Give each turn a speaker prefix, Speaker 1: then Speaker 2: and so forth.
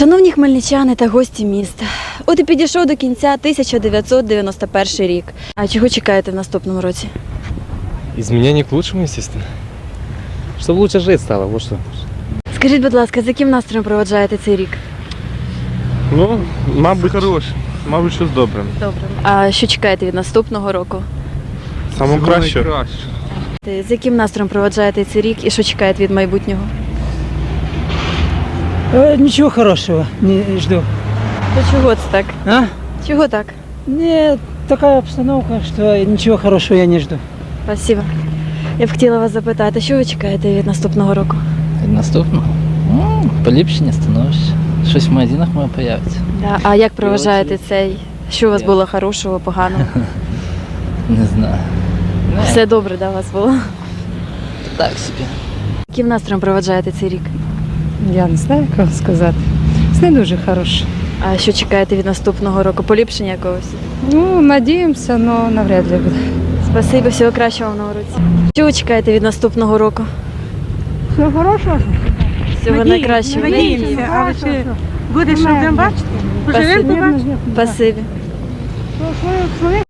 Speaker 1: Шановні хмельничани та гості міста, от і підійшов до кінця 1991 рік. А чого чекаєте в наступному році?
Speaker 2: Изменений к лучшему, естественно. Чтобы лучше жить стало, вот что.
Speaker 1: Скажіть, будь ласка, з яким настроєм проводжаєте цей рік?
Speaker 3: Ну, мабуть, хороше. Мабуть, щось добре.
Speaker 1: Добре. А що чекаєте від наступного року?
Speaker 3: Саме краще.
Speaker 1: З яким настроєм проводжаєте цей рік і що чекаєте від майбутнього?
Speaker 4: Ничего хорошего не жду.
Speaker 1: То чого це так?
Speaker 4: А?
Speaker 1: Чого так?
Speaker 4: Не, такая обстановка, что ничего хорошего я не жду.
Speaker 1: Спасибо. Я б хотіла вас запитати, що ви чекаєте від наступного року?
Speaker 5: Наступного? Поліпшення становища. Щось в магазинах має появиться.
Speaker 1: Да. А як проважаєте цей? Що у вас було хорошого, поганого?
Speaker 5: Не знаю.
Speaker 1: Все добре, да, у вас було?
Speaker 5: Так собі.
Speaker 1: Яким настроєм проводжаєте цей рік?
Speaker 6: Я не знаю, як вам сказати. Це не дуже хороше.
Speaker 1: А що чекаєте від наступного року? Поліпшення якогось?
Speaker 6: Ну, надіємося, але навряд ли буде.
Speaker 1: Спасибо, всього кращого вам на уроці. Що ви чекаєте від наступного року?
Speaker 7: Всього хорошого.
Speaker 1: Всього найкращого.
Speaker 7: Надіємося. А ви ще буде, що будемо бачити? Поживемо, побачимо.
Speaker 1: Спасибі.
Speaker 7: Своє